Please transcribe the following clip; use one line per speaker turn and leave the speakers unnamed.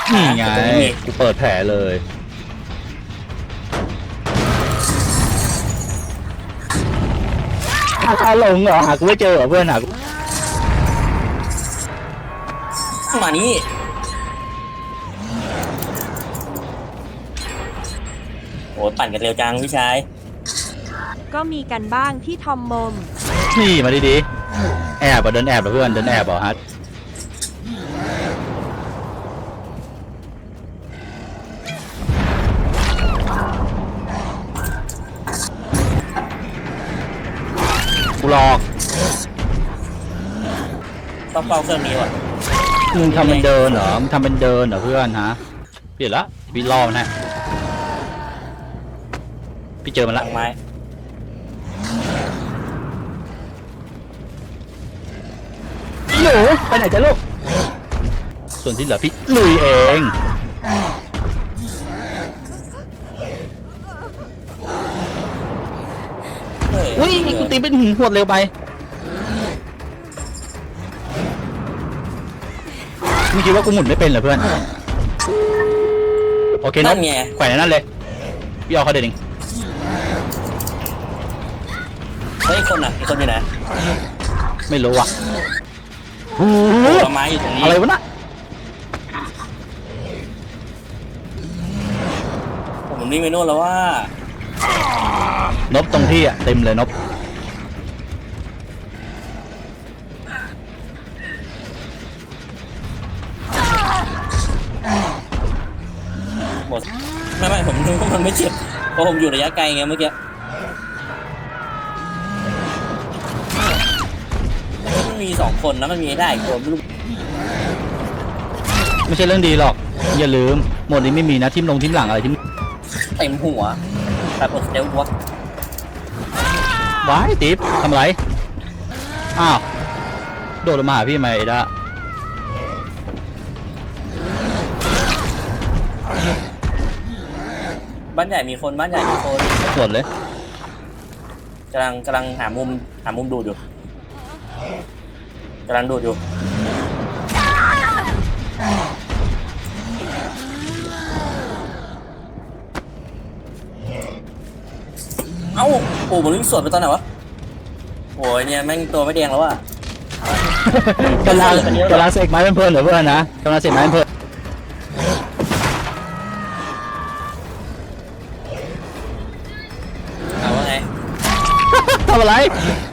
นี่ไงกูเปิดแผลเลยหาหลงเหรอหากูไม่เจอเหรอเพื่อนหากู
มานี่โอ้ปั่นกันเร็วจังพี่ชาย
ก็มีกันบ้างที่ทอมมม
นี่มาดีๆแอบเดินแอบเหรอเพื่อนเดินแอบเหรอฮัทกูหลอก
ต้องเฝ้าเครื่องนี้ว่ะ
มึงทำเป็นเดินเหรอมึงทำเป็นเดินเหรอเพื่อนฮะเปลี่ยนละพี่ล่อมันนะพี่เจอมันละ
ไม้
หนูไปไหนจ๊ะลูกส่วนที่เหลือพี่ลุยเองอุ้ยกูตีเป็นหินหวดเร็วไปมึงคิดว่ากูหมุนไม่เป็นเหรอเพื่อนโอเคนะแขวนนั่นเลยพี่เอาเขาเด็ดเอง
เฮ้ยคนอ่ะอีกคนอยู่ไหน
ไม่รู้อ่ะ
โอ้ไม้อยู่ตรงนี้
อะไรวะน่ะ
ผมนี่ไม่นู่นแล้วว่าน
บตรงที่อ่ะเต็มเลยนบ
หมดไม่ผมนึกว่ามันไม่เจ็บเพราะผมอยู่ระยะไกลไงเมื่อกี้มันมี2 คนนะมันมีได้ตัวไม่รู้
ไม่ใช่เรื่องดีหรอกอย่าลืมหมดนี้ไม่มีนะทิมลงทิมหลังอะไรทิม
เต็มหัวแต่ปวดเซลล์วะ
ว้ายติ๊บทำไรอ้าวโดดลงมาหาพี่ไหมเอด้า
บ้านใหญ่มีคนบ้านใหญ่มีคน
หมดเลย
กำลังหามุมดูดอยู่กำลังดูดอยู่เอ้าโอ้มันวิ่งสวนไปตอนไหนวะโอ้ยเนี่ยแม่งตัวไม่แดงแล้วอะ
กำลังเสกไม้เป็นเพลินเหรอเพื่อนนะกำลังเสกไม้เป็นเพลิน
เอาว่าไง
ทำอะไร